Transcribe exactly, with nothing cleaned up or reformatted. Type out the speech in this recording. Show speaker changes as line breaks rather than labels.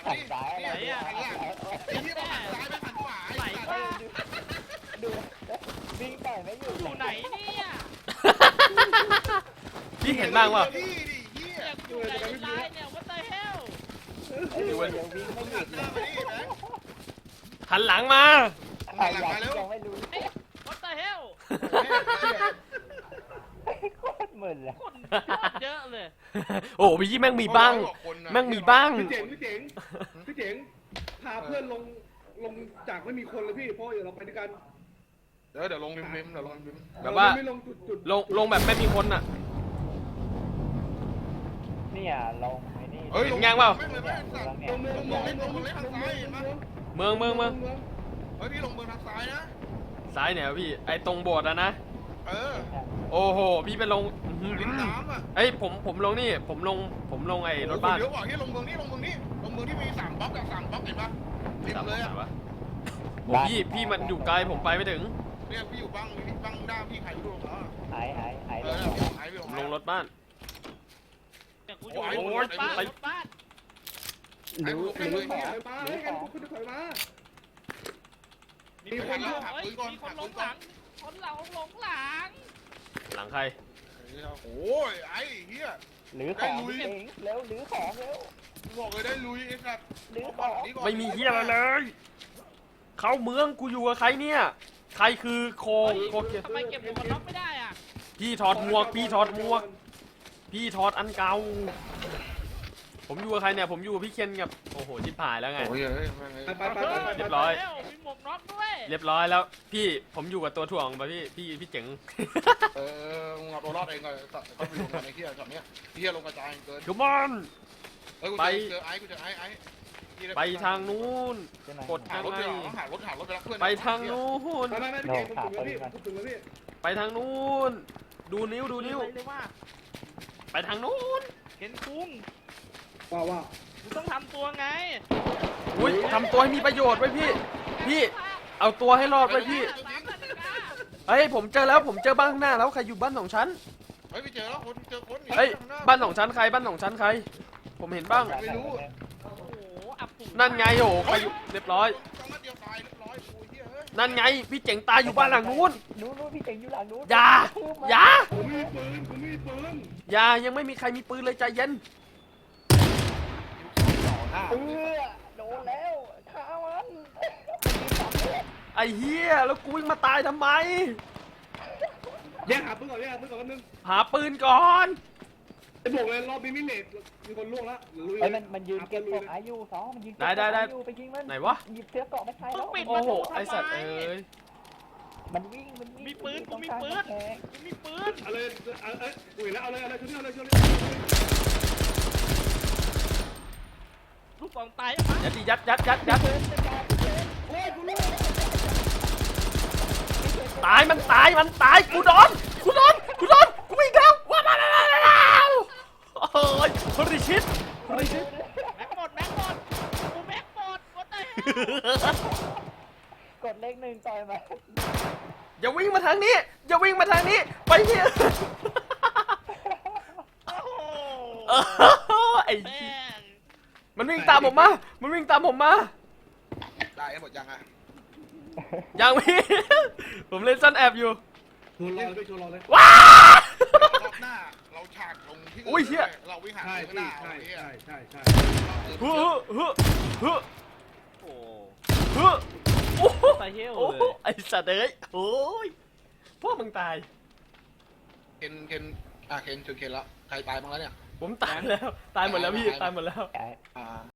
หันซ้าย
ไหนอ่ะ
หันซ้าย
ไอ้ที่เราหันซ้ายไม่หันขวา
ไหน
ไอ้
บ้า
ดูวิ่งต่อยไม่หยุด
อยู่ไหนเนี่ย
พี่เห็นบ้างว่า
พี่ดิเฮีย
อยากอยู่ไหนในไลน์เนี่ย what the hell
ดูยังวิ่งไม่หยุ
หั
ด
นห
เล
น้าย มาดินะ
หันหลังมา
หันหลังมาเร็ว
ยังไม่รู้
what the hell
โคตรมึนเลย
คนเยอะเลย
โอ้พี่แม่งมีบ้างแม่งมีบ้าง
พี่เจ๋งพี่เจ๋งพี่เจ๋งพาเพื่อนลงลงจากไม่มีคนเลยพี่เพราะเดี๋ยวเราไปด้วยกัน
เดี๋ยวเดี๋ยวลงริมริมเดี๋ยวลงริม
แบบว่า
ไม่ลงจุดจุด
ลงลงแบบไม่มีคนอ่ะ
เนี่ยลงไอ้นี่
เฮ้ย
เห็นยังเปล่า
ไม่เลยไม่สัตว์
เนี่
ล
ย
งเมือง
ลงเมืองเล่นลงเมืองเล่นทางซ้ายเห็นปะ
เมืองเมืองเมือง
เฮ้ยพี่ลงเมืองทางซ้ายนะ
ซ้ายเนี่ยพี่ไอ้ตรงโบสถ์อะนะ
เออ
โอ้โหพี่ไปลงอื้อหือ
ริมน้ำอ่ะ
เอ้ยผมผมลงนี่ผมลงผมลงไอ้รถบ้าน
เดี๋ยวบอกที่ลงเมืองนี้ลงเมืองนี้ลงเมืองที่มีสามบล็อกกับสามบล็อกเห็นปะริมเลยอ่ะ
วะโอ้พี่พี่มันอยู่ไกลผมไปไม่ถึง
เนี่ยพี่อยู่บ้างบ้างด้าพี่ใครไม่รู้หรอก
หายหายหาย
เอ
ล
อง เนี่ยหายไป
ผมลงรถบ้าน
เนี่ยกูอยู่
โอ้ย
รถบ้าน
ไป
รถบ้าน
หรือหรือ
ถ
ขอ
อยมาให้กันคุณถอยมา
มีคนหลงเฮ้ยมีคนหลงหลังคนหลังหลงหลัง
หลังใคร
โอ้ยไอ้เฮีย
หรือของเองเร็วหรือของเร็ว
บอกเลยได้ลุยไอ้สัตว์
หรือของ
ไม่มีเฮียอะไรเลย เข้าเมืองกูอยู่กับใครเนี่ย ใครคือโค
เฮ้ย
โคเกีย
ทำไมเก็บหมวกกันน็อกไม่ได้อ่ะ
พี่ถอดหมวกพี่ถอดหมวก พี่ถอดอันเก่า ผมอยู่กับใครเนี่ยผมอยู่กับพี่เคนกับโอ้โหชิบหายแล้วไง
โอ้ยเฮ้ย
ไปไปไปไป
เรียบร้อย
มีหมวกน็อกด้วย
เรียบร้อยแล้วพี่ผมอยู่กับตัวถ่วงป่ะพี่พี่พี่เจ๋ง
เออมึงเอาตัวรอดเองก่อนเขาไปลงกันในเฮียช็อตเนี้ยเฮียลงกระจายเกิน
ขมอน
เฮ้ยกูเจอไอ้กูเจอไอ้ไอ้
ไปทางนู้น กด
หารถไปหารถหารถไปรับเพื่อน
ไปทางนู้น
ไปไปไปพี่เจ๋งผมถึงแล้วพี่ผมถึงแล้วพี่
ไปทางนู้น ดูนิ้วดูนิ้ว
เลยว่า
ไปทางนู้น
เห็นคุ้ง
ว้าวว้าว
กูต้องทำตัวไง
อุ้ยทำตัวให้มีประโยชน์ไว้พี่ พี่ เอาตัวให้รอดไว้พี่
สามนาฬิกา
เฮ้ยผมเจอแล้วผมเจอบ้านข้างหน้าแล้วใครอยู่บ้านสองชั้น
เฮ้ยไปเจอแล้วคนเจอคน
เฮ้ยบ้านสองชั้นใครบ้านสองชั้นใคร ผมเห็นบ้าง
โอ้โหอับสูง
นั่นไงโอ้โหใครอยู่เรียบร้อย
สองนัดเดียวตายเรียบร้อยกูเฮียเฮ้ย
นั่นไงพี่เจ๋งตายอยู่บ้านหลังนู้น
นู้นนู้นพี่เจ๋งอยู่หลังนู้น
อย่าอย่า
ผมมีปืนผมมีปืน
อย่ายังไม่มีใครมีปืนเลยใจเย็น
เออโดนแล้วฆ่ามัน
ไอ้เหี้ยแล้วกูวิ่งมาตายทำไม
แยกหาปืนก่อนแยกหาปืนก่อนแป๊บนึง
หาปืนก่อน
ไอ้บอกเลยรอบนี้ไม่เลทมีคนล่วงแล้วลุย
ไอ้มันมันยืนเก็บของอายุสองมันยืนไปยิงมัน
ไหนวะ
หยิบเสื้อเกาะไม่ใช่
มึ
แล้
ง
ว
ปิด
โอ้
ประ
โห
ตู
ไอ
ทำ
สัตว์
ไม
เอ้ย
มันวิ่งมันวิ่ง
มีปืนกูมีปืน กูมีปืน
เอาเลยเอาเอ้ยอุ้ยแล้วเอาเลยเอาเลยช่วยเอาเลยช่วยเลย
ลูกกองตายยังไง
ยัดดิยัดยัดยัดยัด
โอ้ยกูรู้
ตายมันตายมันตายกูโดนกูโดนกูโดนกูวิ่งแล้วว้าวว้าวว้าวโอ้ยฮริชิตฮริชิต
แม็กหมดแม็กหมดกูแม็กหมดกดได้
กดเลขหนึ่งต่อยมา
อย่าวิ่งมาทางนี้อย่าวิ่งมาทางนี้ไปเฮีย
โอ้โห
ไอ้
แม่ง
มันวิ่งตามผมมามันวิ่งตามผมมา
ได้หมดยังอ่ะ
ยังพี่ ผมเล่นซ่อนแอบอยู่
ชวนรอเลยชวนรอเลย
ว้าร
อบหน้าเราฉากลงที่เราวิ่งหา
ใช่
ข้างหน้า
ใช่ใช่ใช่ใช่
เฮ้อเฮ้อเฮ้อ
โอ้
เฮ้อโอ้โห
ตายเหี้ยว
โอ้
เล
โห
ย
ไอ้สัตว์เอ้ยโอ้ยพวกมึงตาย
เคนเคนอ่ะเคนชวนเคนแล้วใครตายบ้างแล้วเนี่ย
ผมตายแล้ว ตายหมดแล้วพี่ ตายหมดแล้ว
ไอ้
อ่า